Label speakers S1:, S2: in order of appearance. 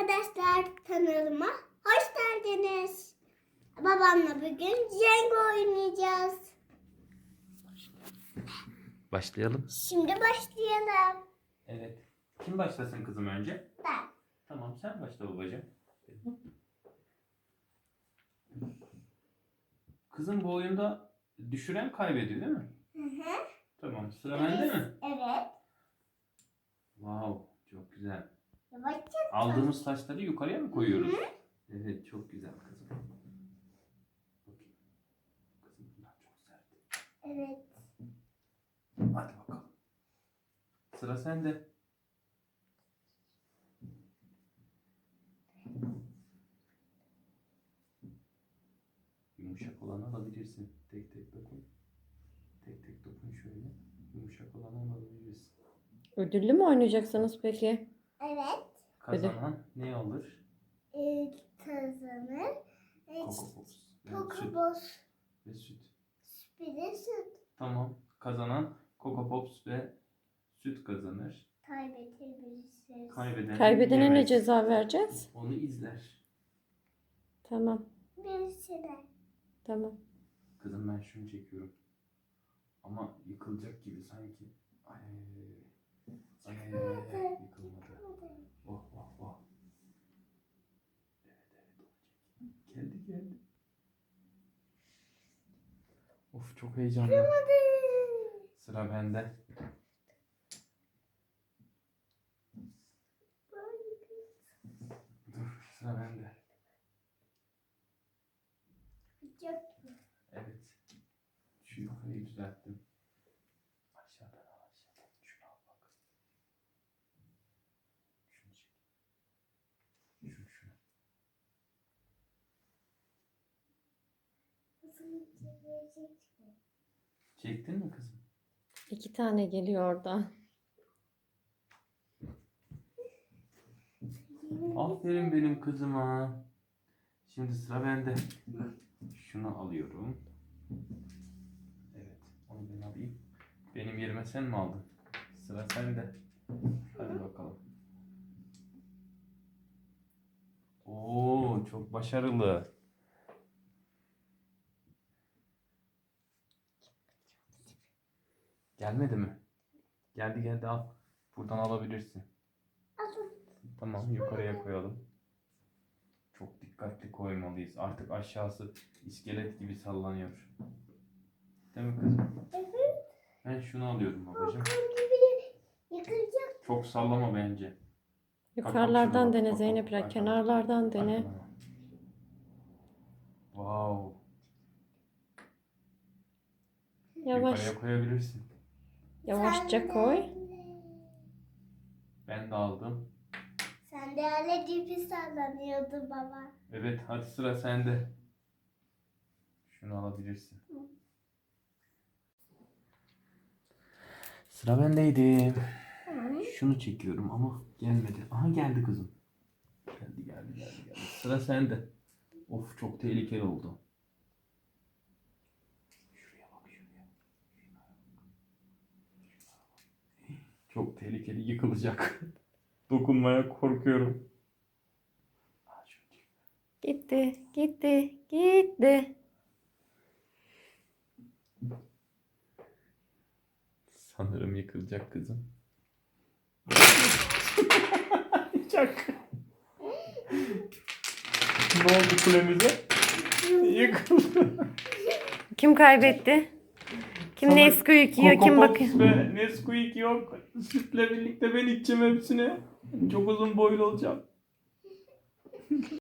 S1: Arkadaşlar kanalıma hoş geldiniz. Babamla bugün Jenga oynayacağız.
S2: Başlayalım.
S1: Şimdi başlayalım.
S2: Evet. Kim başlasın kızım önce?
S1: Ben.
S2: Tamam, sen başla babacığım. Kızım, bu oyunda düşüren kaybediyor değil mi?
S1: Hı hı.
S2: Tamam, sıra bende mi?
S1: Evet.
S2: Wow, çok güzel.
S1: Yavaşça.
S2: Aldığımız taşları yukarıya mı koyuyoruz? Evet, çok güzel kızım. Bakayım. Kızım, bunlar çok sert.
S1: Evet.
S2: Hadi bakalım. Sıra sende. Yumuşak olanı alabilirsin. Tek tek dokun. Tek tek dokun şöyle. Yumuşak olanı alabiliriz.
S3: Ödüllü mü oynayacaksınız peki?
S1: Evet.
S2: Kazanan ne alır?
S1: Kazanır.
S2: Coco Pops. Yani süt
S1: Pokeball.
S2: ve süt.
S1: Bir de süt.
S2: Tamam. Kazanan Coco Pops ve süt kazanır.
S1: Kaybedebiliriz.
S2: Kaybeden
S3: Ne
S2: yemez.
S3: ceza vereceğiz?
S2: Onu izler.
S3: Tamam.
S1: Birisi de.
S3: Tamam.
S2: Kızım, ben şunu çekiyorum. Ama yıkılacak gibi sanki. Ay. Yıkılmadı. Oh oh oh. Evet. Geldi. Of, çok heyecanlı. Sıra bende. Dur, sıra bende.
S1: Çok.
S2: Evet. Şu yukarıyı düzelttim. Aşağıdan. Şunu al bak. Şunu çek. Şunu. Çektin mi kızım?
S3: 2 tane geliyor oradan.
S2: Aferin benim kızıma. Şimdi sıra bende. Şunu alıyorum. Evet, onu ben alayım. Benim yerime sen mi aldın? Sıra sende. Hadi bakalım. Oo, çok başarılı. Gelmedi mi? Geldi, al. Buradan alabilirsin.
S1: Alın.
S2: Tamam, yukarıya koyalım. Çok dikkatli koymalıyız. Artık aşağısı iskelet gibi sallanıyor. Değil mi kızım?
S1: Evet.
S2: Ben şunu alıyorum babacığım.
S1: Yıkılacak.
S2: Çok sallama bence.
S3: Yukarılardan
S2: şuna
S3: dene
S2: bak,
S3: Zeynep,
S2: bak,
S3: biraz
S2: bak.
S3: kenarlardan dene.
S2: Arkana. Wow.
S3: Yavaş.
S2: Yukarıya koyabilirsin.
S3: Yavaşça koy.
S2: Ben de aldım.
S1: Sen de öyle cipi sallanıyordu baba.
S2: Evet, hadi sıra sende. Şunu alabilirsin. Sıra bendeydi. Şunu çekiyorum ama gelmedi. Aha, geldi kızım. Geldi. Sıra sende. Of, çok tehlikeli oldu. Şuraya bak. Çok tehlikeli, yıkılacak. Dokunmaya korkuyorum. Aa, şunu çek.
S3: Gitti.
S2: Sanırım yıkılacak kızım. Çak. Ne oldu kulemize? Yıkıldı.
S3: Kim kaybetti? Kim
S2: Sana
S3: Nesquik yiyor? Kim
S2: Coco
S3: bakıyor?
S2: Pops ve Nesquik yok. Sütle birlikte ben içeceğim hepsini. Çok uzun boylu olacağım.